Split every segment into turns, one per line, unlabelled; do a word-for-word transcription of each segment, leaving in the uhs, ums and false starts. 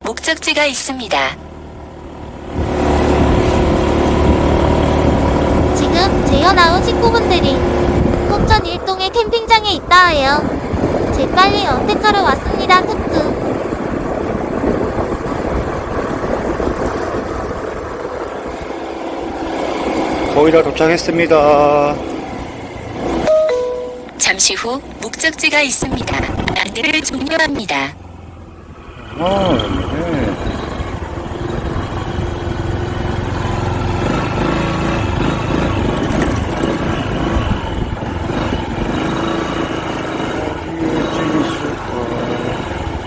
목적지가 있습니다.
지금 재현아우 식구분들이 포천 일동의 캠핑장에 있다 해요. 재빨리 언택하러 왔습니다. 크크.
거의 다 도착했습니다.
잠시 후 목적지가 있습니다. 안내를 종료합니다.
아, 네. 어디에 있을까?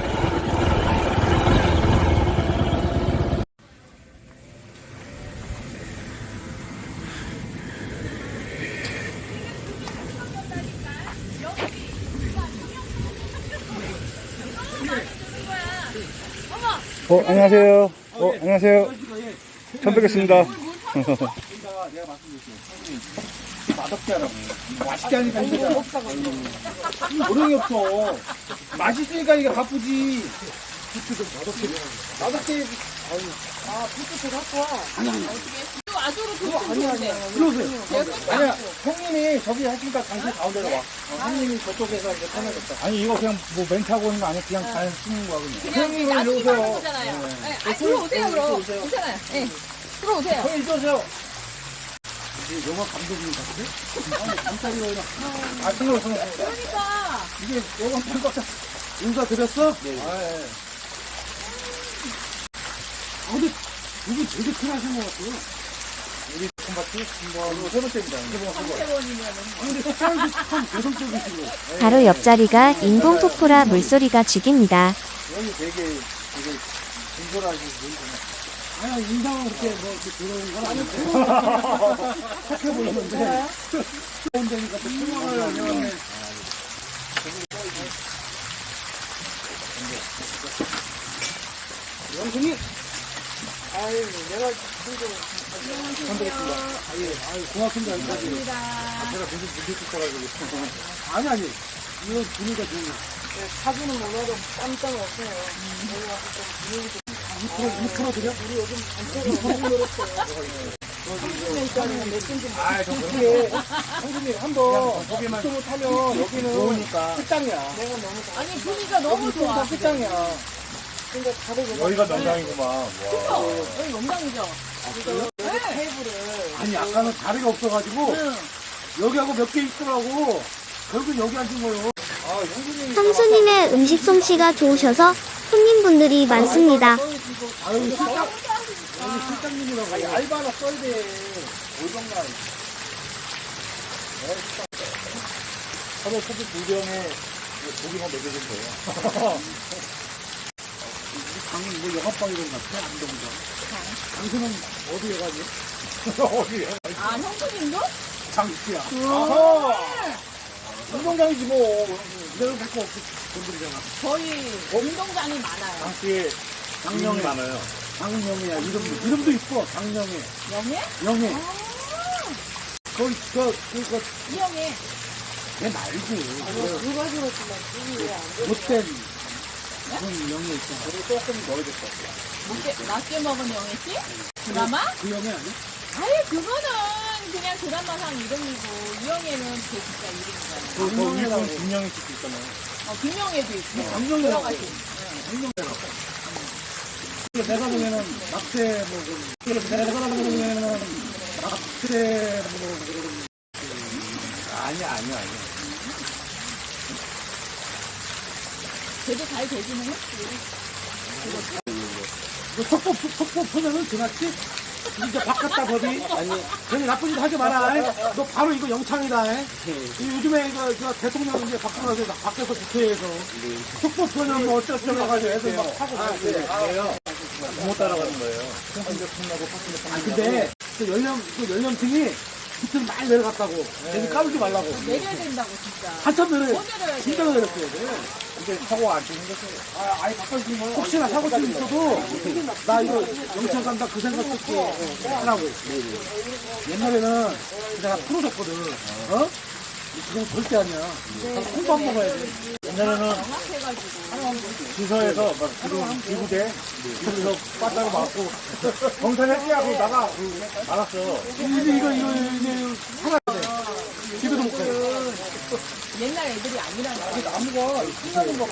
어, 안녕하세요. 어, 안녕하세요. 처음 뵙겠습니다.
내가 말씀드릴게요. 맛없게 하라고. 맛있게 하니까 힘들잖아. 요령이 없어. 맛있으니까 이게 바쁘지. 부츠 좀 맛없게. 맛없게. 아, 부츠 좀 갖고 와. 아니, 아니.
아주로
그거 아니야, 아니야. 들어오세요. 아니야, 형님이 저기 하시니까 당신 가운데로 와. 어, 형님이 저쪽에서 이제 편하겠다.
아니, 이거 그냥 뭐 멘트하고 있는 거 아니야? 그냥 잘 쓰는 거야, 그냥.
형님,
나중에
일로 오세요.
하는 거잖아요. 네. 아, 들어오세요, 그럼.
오세요.
괜찮아요. 네. 들어오세요.
형님, 이리 오세요. 이게 영화 감독님 같은데? 아니, 잠자리가 이라. 아, 승호, 승호.
그러니까.
이게 영화 감독 같아. 인사 드렸어? 네. 아, 예. 아, 근데 이게 되게 큰 하신 것 같아요. 우리 콤바트? 뭐, 세 번째입니다. 세 번, 세 번.
세번이면은.
아, 근데 스타일도 참 개성적이시고.
바로 옆자리가 인공 폭포라 물소리가 죽입니다.
여기 되게, 되게 진솔하시고, 보이잖아. 아니, 인상은 그렇게 뭐, 이렇게 들어오는 건 아닌데. 착해 보이는데. 좋은 데니까 또 수명을 하면. 영순이! 아유, 내가 힘들어. 감사합니다. 아유, 아유, 고맙습니다. 여기까지. 아, 제가 무슨 문제 있어가지고. 아니, 아니. 이거 분위기가 좋은 거. 사진은 몰라도 깜짝 없어요. 저희 와서 좀 분위기 좀. 이 프로, 이 프로 드려? 우리 요즘 안 프로 늘었어요. 아, 저 그렇게. 형님, 한번 유튜브 타면 여기는 좋으니까. 끝장이야. 내가 너무
아니, 분위기가 너무 좋아.
끝장이야. 근데 다들
여기가 명당이구만. 와.
여기 명당이죠?
아니, 아까는 다리가 없어가지고
응.
여기하고 몇 개 있더라고. 결국 여기 앉은 거예요. 아, 형수님.
형수님의 음식 솜씨가 좋으셔서 손님분들이 많습니다.
아유, 실장. 여기 실장님이라고. 아니, 알바 하나 써야 돼. 오정가.
서로 서로 불경에 고기만 먹여준 거예요.
방은 뭐 영업방 이런 거 같아? 안동장. 당신은 어디에 가니? 어디에?
아, 형수님도?
장수야. 아하! 운동장이지 뭐. 내가 갖고 없지. 건드리잖아.
저희 운동장이 많아요.
당시에 장명이 많아요.
장영이야. 이름도, 이름도 이뻐. 장영애.
영예?
영애.
아,
거기, 저, 그, 그,
이영예.
걔 말지.
두 가지로 쓰면
못된 그런 영애 있잖아.
그리고 조금 넣어줬어.
낮게, 낮게 먹은 영예 씨? 드라마?
그 영애 아니야?
아예 그거는 그냥 드라마상 이름이고 이영애는 제 진짜 이름이잖아요.
그, 그 위에 보면 김영희 씨도 있잖아요.
어, 김영애도 있고.
장영애라고.
여러 가지.
내가 보면은 낙태 뭐 그, 내가 보면은 낙태 뭐 그런
아니야, 아니야, 아니야.
걔도 잘 되지는 했지.
너 속보 속보 보면은 지났지? 이제 바꿨다 법이. 아니, 괜히 나쁜 짓 하지 마라. 너 바로 이거 영창이다. 이 요즘에 이거 저 대통령 이제 바꾸고 나서 밖에서 국회에서 속보 보면 뭐 어쩌저쩌고 해가지고 애들 막 하고 그래요.
부모 따라가는 거예요. 통신대 통나고 파스대
아
통나고.
근데 그 연령 그 연령층이 밑으로 많이 내려갔다고. 괜히 까불지 말라고.
내려야 된다고 진짜.
한참 내려.
더 내려야 돼.
진짜 내렸어야 돼.
근데 사고 안 생겼어요.
아, 아예 바꿔주신 거예요? 혹시나 사고쯤 있어도 나 이거 영창 간다 그 생각 듣고 하라고. 옛날에는 내가 풀어줬거든. 어? 지금 절대 아니야. 콩밥 먹어야 돼.
옛날에는
정확해가지고.
지서에서 막 지금 기부대 거기서 빠따로 맞고 경찰 해지하고 나가 알았어.
이거, 이거, 이거, 이거, 하나 돼. 집에도 못 가요.
옛날 애들이 아니라는 거야.
나무가 끝나는가 봐.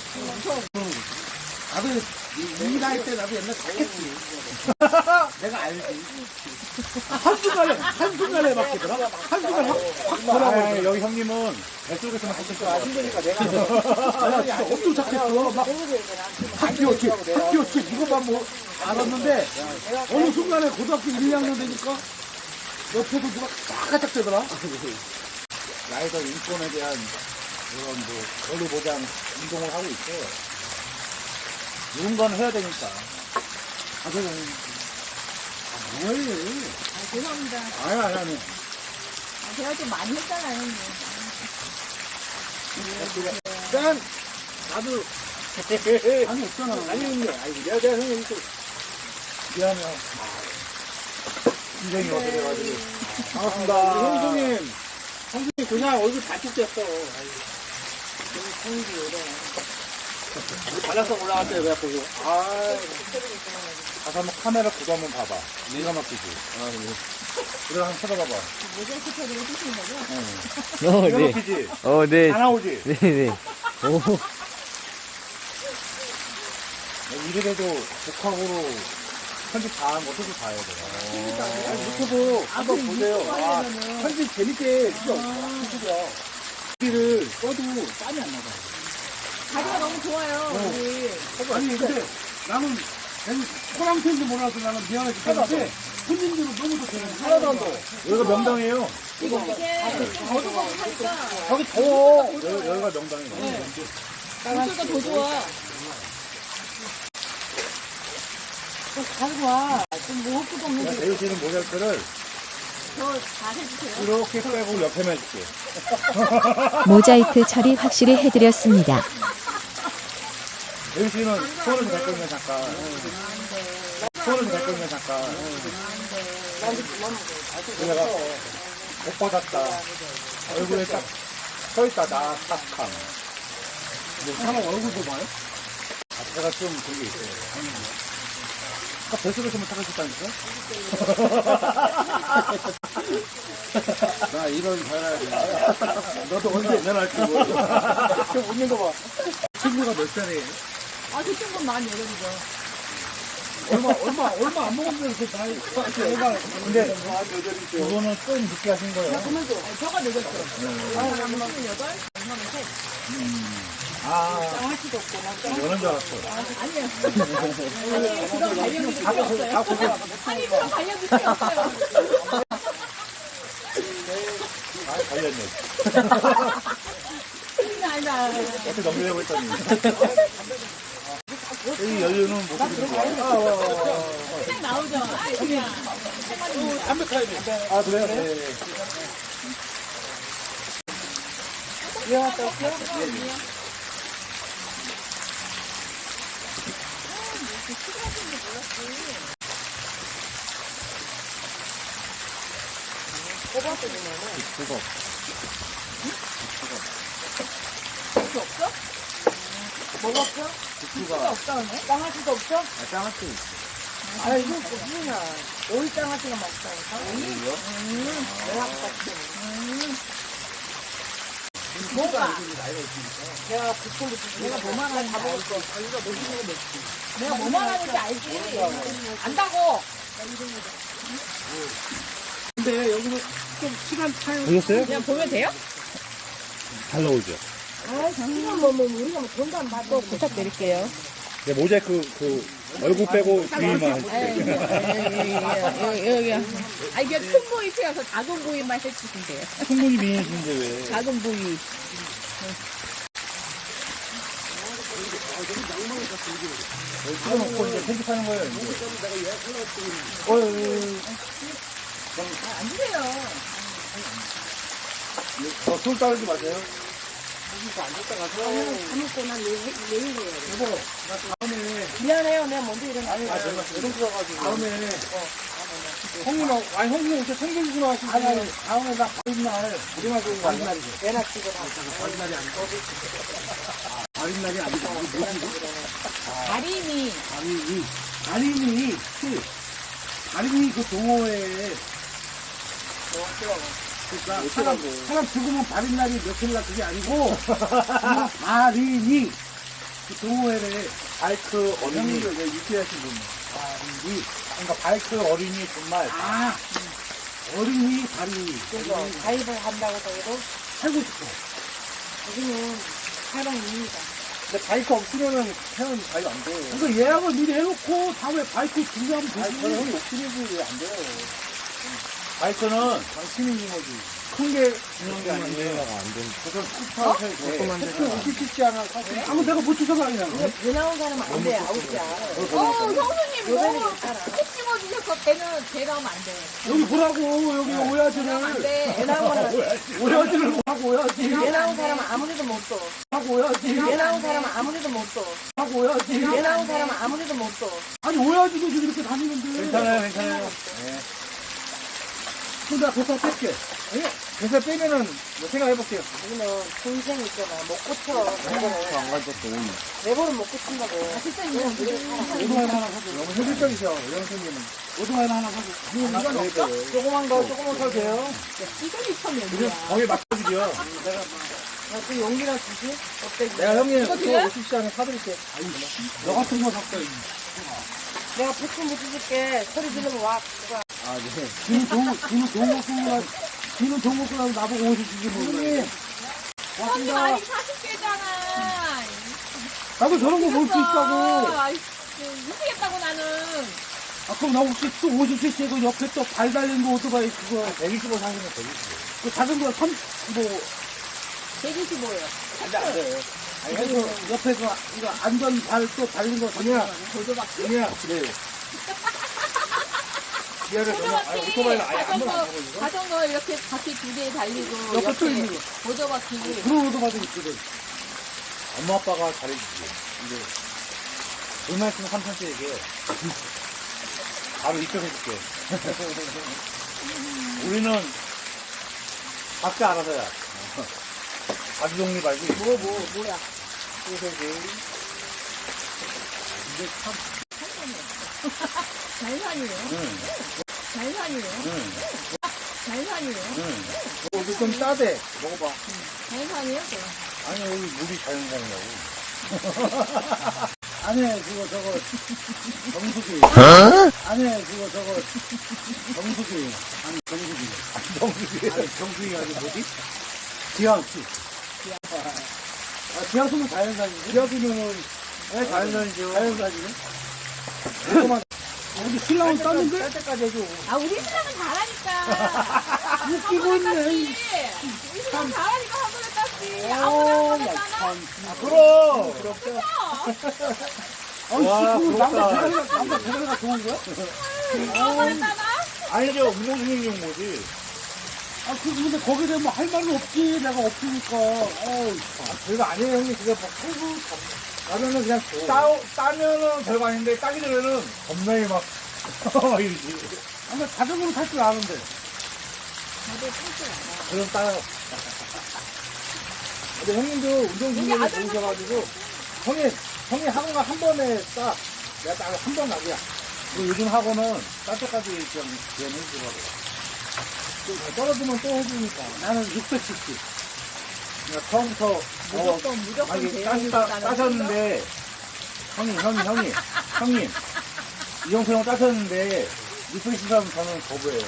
나도 이 나이 때 나도 옛날 다 했지. 내가 알지. 한순간에, 한순간에 바뀌더라. 한순간에 확, 확
아,
돌아버려.
여기 형님은 뱃속에서만 하실 거야.
힘드니까 내가. 내가 진짜 엄청 착했어. 막, 학교였지, 학교였지. 이것만 뭐 알았는데, 어느 순간에 고등학교 일, 이 학년 되니까, 옆에도 누가 쫙가짝 되더라.
라이더 인권에 대한 그런 뭐 권리 보장 운동을 하고 있어. 이런 건 해야 되니까.
아, 그래. 아, 뭘.
아, 죄송합니다.
아니 아니 아니.
아, 제가 좀 많이 했잖아요, 형님.
난, 나도, 아니, 없잖아. 아니, 근데, 아니, 내가, 내가 형님, 또,
미안해요. 인생이 어떻게 돼가지고.
반갑습니다. 형님, 형님, 그냥 얼굴 다찍혔어. 발락성 올라갔대요, 그래 보고. 아,
가서 한번 카메라 구도 한번 봐봐. 내가 막히지. 아, 그래 한번 쳐다봐봐.
모자이크 처리를 해주시는 거죠?
어,
내가
네.
막히지.
어, 네.
다 나오지.
네, 네. 오,
이래도 독학으로 편집 다 한 거, 소주 다 해야 돼.
유튜브 한번
그
보세요.
유튜브
아,
하려면은.
편집 재밌게, 진짜, 유튜브야. 여기를 써도 땀이 안 나가.
다리가 너무 좋아요, 우리.
아니, 근데 나는, 나는 호랑새인지 몰라서 나는 미안해 죽겠는데, 손님들은 너무 좋대요. 하나도 안 더워.
여기가 명당이에요.
지금 이게 좀 어두컴하니까
저기 더워.
여기, 여기가 명당이에요.
물소가 더 좋아.
가지고 와. 좀 먹을 것도 없는데.
내가 배우시는 모자이크를
저 잘 해주세요.
이렇게 빼고 옆에만 해줄게.
모자이크 처리 확실히 해드렸습니다.
배우시는 손을 댈 거면 잠깐. 손을 댈 거면 잠깐. 내가 못 받았다. 얼굴에 딱 서있다, 나 딱함.
뭐, 사람 얼굴도 봐요?
아, 제가 좀 그게 있어요. 아까 뱃속에서만 타가셨다니까?
나 이런 잘해야 돼.
너도 언제 연애할지 모르
좀 웃는 거 봐. 친구가 몇 살이에요?
아, 그 친구는 만 여덟이죠.
얼마, 얼마, 얼마 안 먹었는데 그 나이. 애가.
근데 그거는 좀 늦게 하신 거예요.
아니, 저가 늦었죠. 아, 저는 여덟, 저는 셋.
아, 연애인 줄 알았어.
아니에요. 아니, 그런 관련이 필요 없어요. 아니, 그런 관련이 필요 없어요.
아, 달렸네.
아니다.
어떻게 넘기려고 했더니. 이 연륜은 모습이 좋아요.
책 나오죠. 아, 그냥.
담백하게 돼.
아, 그래요? 네. 그거.
먹었어?
국수가.
없다, 그러네? 장아찌도 없어?
아, 짱아찌 있어.
아, 이거 무슨이야. 오이 장아찌가 맛있다니까?
오이요?
음, 내가 같이. 음. 뭐가? 내가 그걸로 내가 뭐만 하는지 알지. 내가 뭐만 하는지 알지. 안다고.
근데 여기서 좀 시간 차이.
보셨어요?
그냥 보면 돼요?
잘 나오죠?
아, 잠시만 뭐, 뭐 우리가 뭐 돈도 안 받고 부탁드릴게요.
네, 모자이크 그 얼굴 빼고 뒤만 해줄게.
여기 여기. 아 이게 큰 부위 피어서 작은 부위만 해주시면 돼요.
충분히 미인이신데 왜?
작은 부위.
찍어놓고 이제 편집하는 거예요. 이제. 어이,
안 주세요.
어, 손 따르지 마세요.
미안해요. 내가 먼저 일어나.
아, 내가 계속 들어가지고.
다음에, 형님하고, 아니, 형님 이렇게 생겨주시나 하시고. 아니, 아니, 다음에 나 바른 날, 우리만 좋은 거 아니야? 애나 찍어. 바른 날이 아니고. 바린날이 아니고 이게 뭐지?
다리미.
바린이. 바린이, 그, 바린이 그 동호회에. 그러니까 사람, 사람 죽으면 바린날이 며칠날 그게 아니고, 이거 바린이. 그 동호회에
바이크 어린이.
형님들 왜 유쾌하신 분.
바린이. 그러니까 바이크 어린이 분말.
아, 어린이 바린이.
그래서 가입을 한다고 해도
살고 싶어.
여기는 사랑입니다.
근데 바이크 없으면은 회원 가입 안 돼요.
그러니까 예약을 미리 해놓고 다음에 바이크 준비하면 되지.
아니, 저는 형이 욕심이지 왜안 돼요. 바이크는 당신이 거지. 큰 게 중요한 게 아니에요. 그래서 스쿠터 할 때.
그 오피티치 하나 사세요. 아무 내가 못 주서 가냐.
배 나온 사람은 안 돼, 아웃이야.
어, 형수님 너무 콕 집어주셔서 배는 배 나오면 안 돼.
여기 보라고, 여기 오야지를.
안 돼.
배 나온 사람,
오야지를 하고 오야지.
배 나온 사람은 아무리도 못 써.
하고 오야지.
배 나온 사람은 아무리도 못 써.
하고 오야지.
배 나온 사람은 아무리도 못 써.
아니, 오야지도 지금 이렇게 다니는데.
괜찮아요, 괜찮아요.
근데 나 배사 뺄게.
그래서 빼면은 뭐 생각해볼게요.
여기는 동생 있잖아. 못 고쳐. 내버를.
안 가졌어, 오늘.
내버를 못 고친다고.
진짜 이거
오토바이 하나 사줘.
너무 현실적이죠, 이런 생기는.
오토바이 하나 사줘.
이건 없어?
조그만 거, 조그만 거 돼요.
이걸 입혀면
그냥
뭐야.
거의 막혀지죠.
야, 그 용기나 주지? 어때?
내가 형님,
이거
그거
드려요?
오십 시간에 사드릴게.
너 같은 거 샀어.
내가 부품 붙여줄게. 소리 지르면 와. 누가.
아, 네.
지는 동, 지는 동국 쓰느라, 지는 동국 쓰느라 나보고 오십 주지 모르네.
형님 아직 사십 개잖아.
나도 저런 거 볼 수 있다고.
아이, 미치겠다고 나는.
아, 그럼 나 혹시 또 오십 씨씨 그 옆에 또 발 달린 거 오토바이 그거,
백이십오 사시면 백이십오.
그 자전거 삼십오.
백이십오예요.
안 돼, 안 돼.
아니, 그 옆에 그, 이거 안전 발 또 달린 거 아니야?
보조바퀴.
아니야, 그래요. 미안해, 저는, 아니, 오토바이를 아예 한 번도 안 타고 있어.
자전거 이렇게 바퀴 두 개 달리고
옆에 또 있는 거.
보조바퀴.
그런 오토바이도 있거든.
엄마 아빠가 잘해주지. 근데, 돈만 있으면 삼천씩 얘기해. 바로 입금해줄게. 우리는 각자 알아서야. 자기 독립 알지?
뭐, 뭐, 뭐야. 잘산이에요.
응,
잘산이에요.
응,
잘산이에요.
응. 여기 좀 싸대. 먹어봐.
잘산이에요.
아니, 여기 물이 자연산이라고.
안에 그거 저거, 정수기. 안에 그거 저거, 정수기. 아니, 정수기.
정수기.
아니, 정수기가 아니 뭐지? 기왕수. 아, 기왕수는 자연산이지?
기아기면은, 네, 자연산이죠.
자연산이네? 잠깐만. 우리 신랑은 땄는데?
쌀 때까지 해줘.
아, 우리 신랑은 잘하니까.
웃기고 있네.
우리 신랑 잘하니까 한 번에 땄지.
오,
아무나
나
땄잖아.
참.
아, 그럼!
아니,
와,
지금 남자
부럽다.
대가리가, 남자 대가리가 좋은 거야?
아무나 따나?
아니죠, 운동신경 용모지.
아, 그, 근데 거기에 대해 뭐 할 말은 없지. 내가 없으니까. 어우,
아, 별거 아니에요, 형님. 그게 뭐, 팔고, 나면은 그냥 따, 따면은 별거 아닌데, 따기 전에는 겁나게 막, 이러지.
아, 나 자전거는 탈 줄 아는데.
그럼 따요. 근데 형님도 운동신경이 좋으셔가지고, 형님, 형님 학원가 한 번에 따. 내가 딱 한 번 나기야. 그리고 요즘 학원은 딸 때까지 좀 지원해주더라고. 좀 떨어지면 또 해주니까.
나는 육백칠십.
그러니까 처음부터,
무조건, 무조건
아니,
돼요.
따시다,
나는
따셨는데, 형님, 형님, 형님, 형님, 이영표 형 따셨는데, 육백십 하면 저는 거부해요.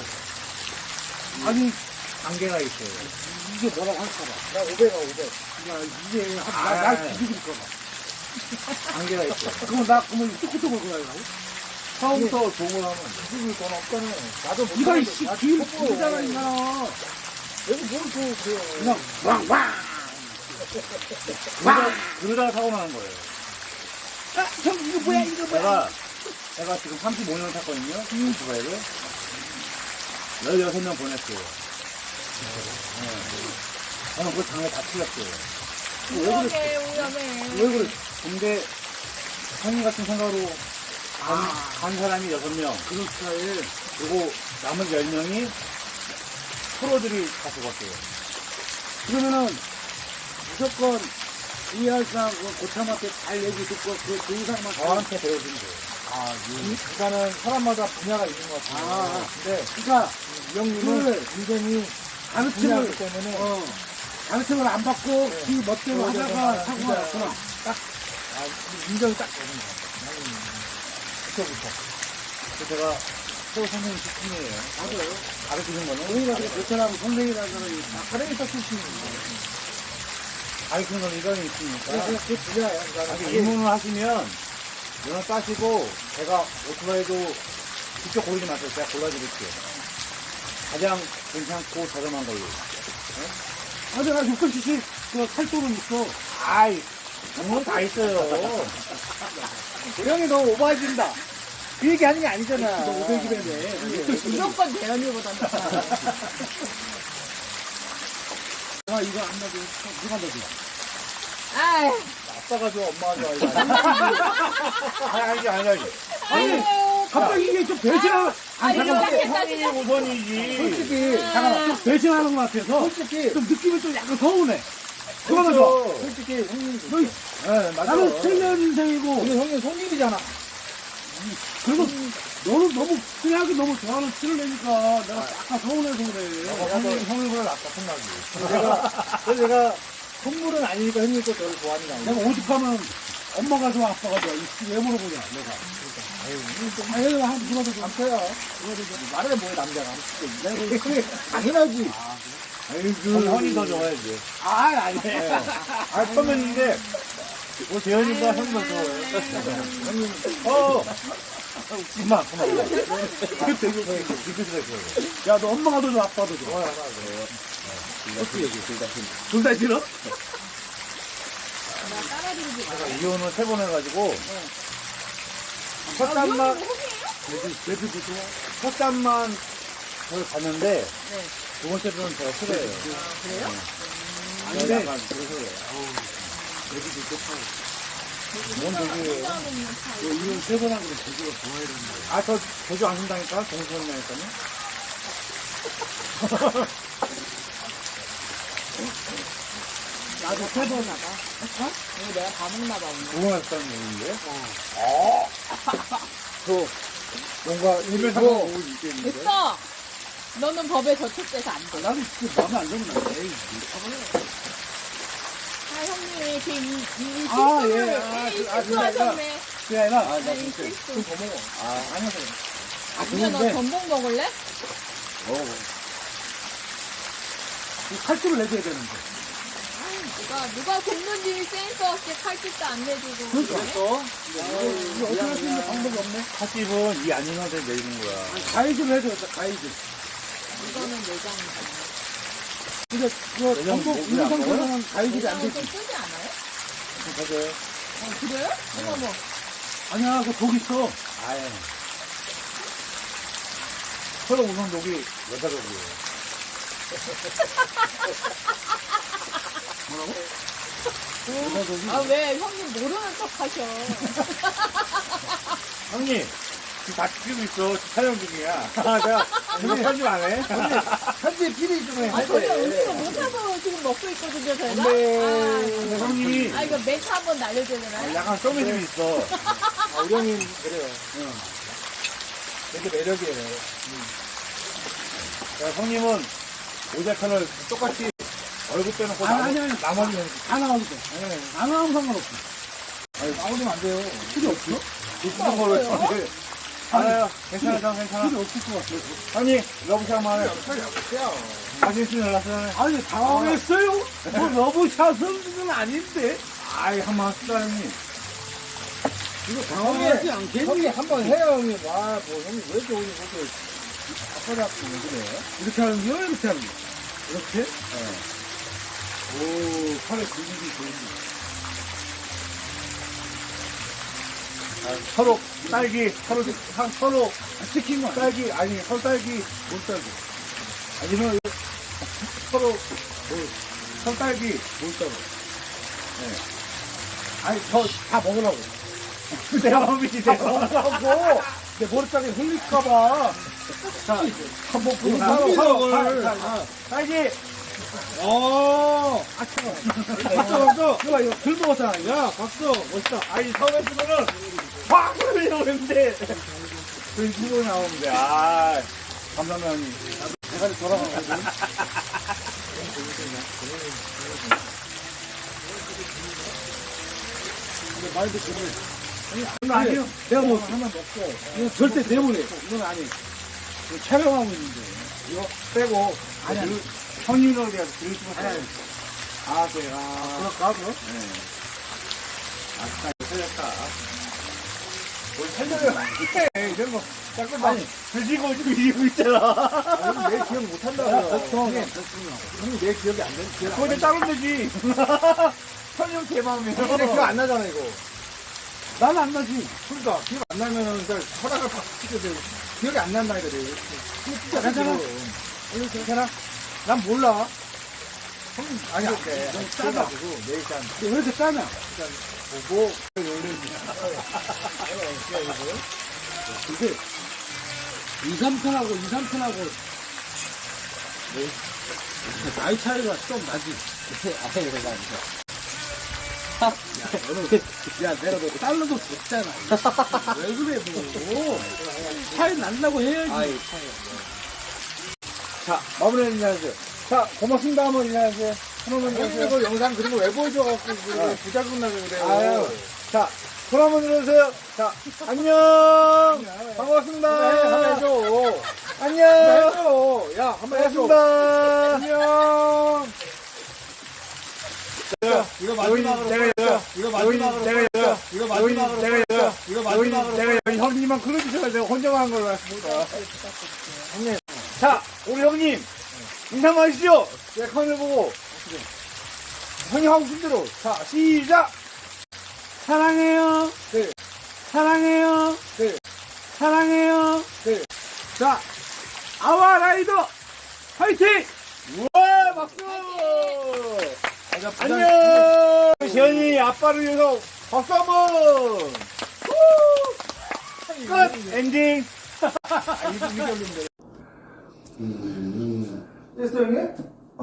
아니,
단계가 있어요.
이게 뭐라고 할까봐.
나 오백아, 오백.
야, 이게, 한-
아,
나, 날
아,
뒤집을까봐.
단계가 있어요.
그럼 나, 그러면 뚜꾸뚜꾸 걸고 가려고?
처음부터 좋은 거 하면, 죽을 돈 없잖아요. 나도 못
네가
하는데,
이씨,
나
길
초보.
길잖아, 인간아.
여기 뭘 또, 그래요.
그냥, 왕, 왕!
그러다, 그러다가 사고 나는 거예요.
아, 형, 이거 뭐야, 이거 뭐야.
내가, 내가 지금 삼십오 년을 탔거든요. 오토바이를. 열여섯 명 보냈어요. 네. 저는 그 장에 다 틀렸어요. 왜 그랬어?
위험해, 위험해.
왜 그래? 근데 형님 같은 생각으로 간, 간 사람이 여섯 명,
그런 스타일.
그리고 남은 열 명이 프로들이 다 죽었어요.
그러면은, 무조건, 이할사 그 고참한테 잘 얘기 듣고 그 조상만
저한테 배워준 거예요. 아, 일단은 사람마다 분야가 있는 것 같아요.
아,
근데
그러니까
이 형님은
그걸
굉장히
가르침을
분야이기 때문에
어, 가르침을 안 받고
네.
지 멋대로
그거에
하다가
대해서
사고가
진짜
났구나.
아, 인정이 딱 되는 거예요. 나는 그때부터. 그래서 제가 또 선생님 직분이에요.
맞아요.
가르치는 거는
우리가 그 베테랑 선생이라는 사람이 아카데미사 출신입니다.
가르치는 건 일관이 있으니까.
그래서 그 분야야.
아직
그러니까
입문을 하시면 면허 따시고 제가 오토바이도 직접 고르지 마세요. 제가 골라드릴게요. 가장 괜찮고 저렴한 걸로.
아, 내가 육십 씨씨 그 팔도는 있어.
아이, 정말 다 있어요.
형이 너무 오버해진다.
그 얘기 하는 게 아니잖아.
너 오백이라네.
무조건 대현이보다 나.
아, 이거 안 놔도 누가 놔도.
아이,
아빠가 좋아, 엄마가 좋아. 아니, 아니, 아니, 아니.
아니, 갑자기 이게 좀 배신하는, 아니,
아니,
잠깐만.
이거
형이 우선이지.
솔직히, 잠깐만. 좀 배신하는 것 같아서. 솔직히. 좀 느낌이 좀 약간 서운해. 그거는 줘.
그렇죠. 솔직히 형님.
너,
네, 맞아.
나는 칠년생이고.
근데 형님 손님이잖아.
그리고 너는 너무 친하게 너무 좋아하는 티를 내니까 내가 약간 서운해서 그래.
형님, 형님 보다 낫다, 생각이. 제가, 그래서 제가 선물은 아니니까 형님 또 저를 좋아하니까.
내가 오죽하면 엄마가 좋아, 아빠가 좋아. 이왜 물어보냐, 내가. 아, 얘가 한 누가 더 좋아?
남자야. 말해 뭐해, 남자가. 내가 그래, 당연하지. 아이고. 형이 더 좋아야지.
아, 아니.
아, 처음인데, 뭐, 재현이가 형이 더 좋아해. 형님, 어! 그만, 그만. 그때 이거, 이거 들었어요.
야, 너 엄마가 더 좋아, 아빠가 더 좋아?
좋아요, 하나,
어떻게 얘기 둘다
둘 다 싫어?
제가 이혼을 세 번 해가지고, 첫 잔만,
내도 좋아?
첫 잔만 저를 갔는데, 두 번째 분은 제가 싫어해요.
그래요?
아닌데, 약간 그래서 그래요. 뭔 얘기예요?
너 이혼 세번 하고 제주가 좋아야 된다.
아, 저 제주 안 준다니까? 동생이라니까요?
나도 세 번 나가. 이거 내가 다 먹나 봐, 오늘.
누가 했다는 얘기인데? 어. 저, 뭔가, 일면상으로 보고 있겠는데?
됐어! 너는 법에 저촉돼서 안 돼.
나도 진짜 마음에 안 들면 안 돼.
아, 형님, 그, 이, 이,
아,
실수를,
예. 아,
이
그, 아,
실수하셨네.
그게 아니라, 아, 나
네, 이
진짜.
실수.
좀 더 먹어. 아, 아니야, 그래. 아,
근데 너
그런데,
전복 먹을래?
어,
이 칼집을 내줘야 되는데.
누가, 누가 굽는지 센스 없이 칼집도 안 내주고.
그렇죠. 이거 어떻게 할 수 있는 방법이 없네.
팥집은 이 안인한테 내리는 거야.
가이드를 해줘야겠다, 가이드.
이거는 내장이다.
근데, 그,
내장
전국
뭐, 왜안
인상에서는 가이드가 안
내장은 좀
되지.
쓰지 않아요?
맞아요.
어, 그래요? 어머, 뭐.
아니야, 그 독 있어.
아예. 서로 우선 녹이 여자적이에요.
아, 왜 형님 모르는 척 하셔.
형님, 지금 다 찍히고 있어. 촬영 중이야. 아, 내가, 이거 편집 안 해?
현재 필이 좀 해.
아, 전혀 음식을 못해서 지금 먹고 있거든요, 저희가.
근데 형님이
아, 아, 이거 멘트 한번 날려줘야 되나요?
약간 썸이 좀 있어.
아, 우리 형님, 그래요.
되게 매력이에요. 자, 형님은 모자편을 똑같이 얼굴 빼놓고
아니,
나머-
아니, 아니.
나머지는
안 나와도 돼.
네.
안 나오면 상관없어.
아니, 나오면 안 돼요.
필요 없어?
비슷한 걸로 했는데. 아유, 괜찮아, 형, 괜찮아.
필요 없을 것 같아.
형님, 러브샷 한번 해. 사진 찍어놨어요.
아니, 당황했어요? 뭐, 러브샷은 아닌데?
아이, 한번 합시다, 형님.
이거 당황하지 않겠니?
형님, 한번 해요, 형님. 아, 뭐, 형님, 왜 이렇게 오늘 그렇게 아빠 잡고 왜 그래?
이렇게 하는 거야? 이렇게 하는 거야? 이렇게?
네.
오, 팔에 근육이 보이네.
아, 서로, 딸기, 서로, 한, 서로,
시킨 거야.
딸기, 아니, 서로 딸기,
못살고.
아니면, 서로, 뭐, 설딸기, 못사고. 네.
아니, 저 다 먹으라고.
내가 먹이지,
다
내가.
먹으라고! 내 머리카락에 흘릴까봐. 자, 한번 보고
아,
따로
이걸.
자, 자, 자.
딸기!
어, 아차. 박수, 박수. 이거, 이거 글 먹었잖아. 야, 박수. 멋있다.
아니, 처음 했으면은, 확! 그러는데, 그 후보 나오는데, 아, 감사합니다.
내가 돌아가거든. 근데 말도 그래.
이건 아니에요.
내가 뭐 하나 먹고. 이거 절대 내보내. 이건 아니. 이거 촬영하고 있는데.
이거 빼고,
아니, 아니.
형님으로 내가 드릴 수
아니, 아니.
있어요. 아, 그래. 아,
그럴까, 그럼?
네. 아까 틀렸다. 뭘 설명을 많이 해. 이런 거, 자꾸 막, 드시고 지금 이러고 있잖아.
아, 내 기억 못 한다고요. 형님, 형님 내 기억이 안 돼. 기억
그거 이제 따면 되지. 설명 제 마음이에요.
근데 기억 안 나잖아, 이거. 나는 안 나지. 그러니까, 기억 안 나면은, 일단 허락을 팍 시켜야 돼. 기억이 안 난다니까, 내가. 진짜 괜찮아? 이거 괜찮아? 난 몰라. 형님, 아니,
이렇게
너무
싸다.
짜다.
내일 짠.
왜 이렇게 짜냐?
보고,
근데, 이, 삼 편하고, 이, 삼 편하고, 뭐, 나이 차이가 좀 나지.
아예 그래가지고.
야, 너는, 야, 내가 너 달러도 줬잖아. 왜 그래, 뭐. 차이 난다고 해야지.
아이,
자, 마무리 인사하세요. 자, 고맙습니다. 한번 인사하세요. 한번
형님
인사하세요.
이거 영상 그런 거 왜 보여줘갖고,
아.
그래, 부자금 나고 그래요.
아유. 자, 손 한번 들어주세요. 자, 안녕. 반갑습니다.
한번 해줘.
안녕.
해줘. 야, 한번 해줘.
반갑습니다.
안녕.
이거
마지막으로
내가 이거
이거
마지막으로 내가 이거
이거
마지막으로 내가 이거
이거
마지막으로 내가 여기 형님만 그려주셔야 돼요. 혼자만 한 걸로 왔습니다. 형님. 자, 우리 형님 인사만 하시죠. 내 카메라 보고. 형님 하고 싶은 대로. 자, 시작. 사랑해요.
네.
사랑해요.
네.
사랑해요.
네.
자, 아와 라이더 화이팅! 우와, 박수! 안녕! 시연이 아빠를 위해서 박수 한 번! 후! 끝! 엔딩! 됐어, 형님?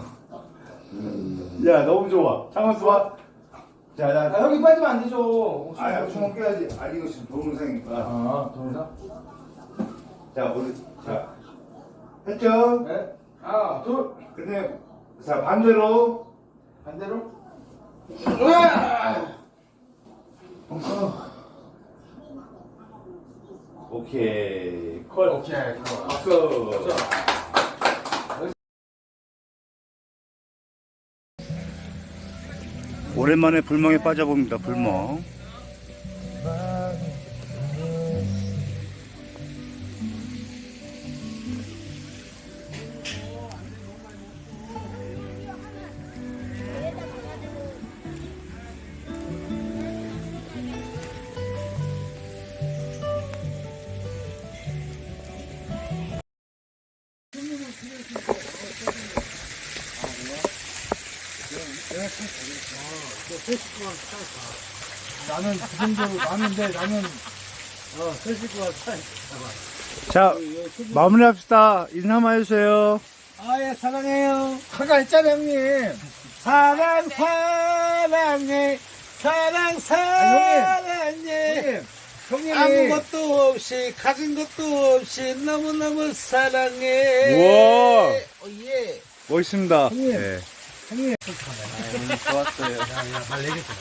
야, 너무 좋아. 잠깐만 봐. 자, 나.
아, 형이 빠지면 안 되죠.
아, 주먹 깨야지. 아, 이거 지금 동영상이니까.
아, 동영상?
자, 우리, 자. 했죠?
네. 하나, 둘.
근데, 자, 반대로.
반대로.
오케이. 콜.
오케이, 좋아.
박수. 오랜만에 불멍에 빠져봅니다. 불멍.
나는 그 정도 나는데 나는 어, 세 식구가 차이.
자, 마무리합시다. 인사만 해주세요.
아예 사랑해요. 아까 했잖아 형님. 사랑 사랑해 사랑 사랑해. 형님. 아무것도 없이 가진 것도 없이 너무너무 사랑해.
우와.
어, 예.
멋있습니다.
형님.
네.
형님.
좋았어요.
말 내겠어.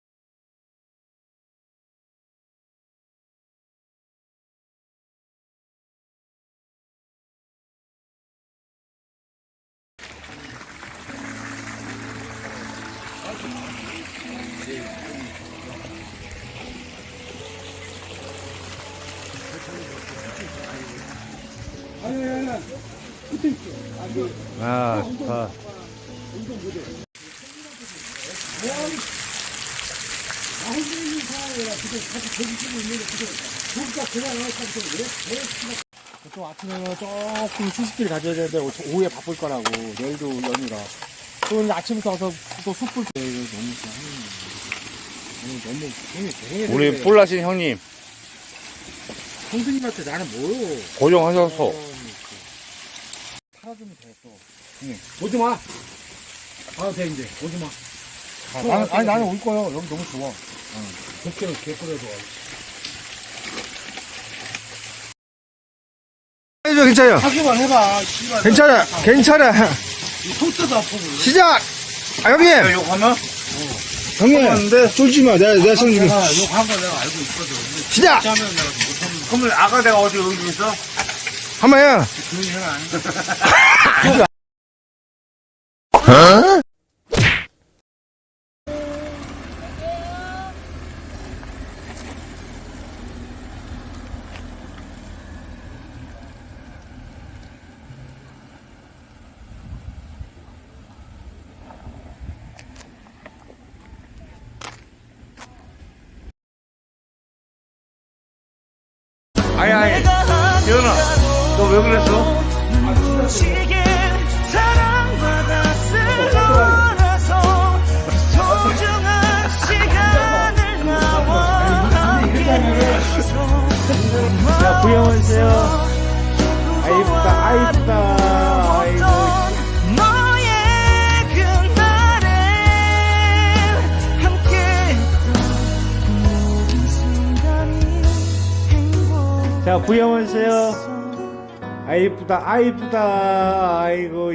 아, 좋다.
보통 아침에는 조금 휴식기를 가져야 되는데 오후에 바쁠 거라고 내일도 연휴라 또 오늘 아침부터 와서 또 숯불 때 이거 너무 좋아 형님 너무 형님 고생해서
우리
그래.
뿔나신 형님,
형수님한테 나는 뭐요
고정하셔서.
팔아주면 됐어 형님 보지 마 아, 돼, 이제. 오지 마.
아, 나는, 아니, 나는 올 거야. 여기 너무 좋아.
덕기는 개꿀에도 와.
해줘, 괜찮아요.
하기만 해봐. 씨발.
괜찮아, 괜찮아.
이 손때도 아프고.
시작! 아, 형님!
욕 하면?
형님! 쫄지 마. 내가, 내가 성 지금.
아, 욕한 거 내가 알고 있거든. 근데
시작!
진짜 하면 내가 못하는 거.
그러면 아까 내가 어디 여기 있어?
한번 해.
조용히 해라.
아니, 아니. 재현아, 너 왜 그랬어?
자, 구경하세요. 아, 이쁘다, 아, 이쁘다. 아이고. 자, 구경하세요. 아, 이쁘다, 아, 이쁘다. 아이고.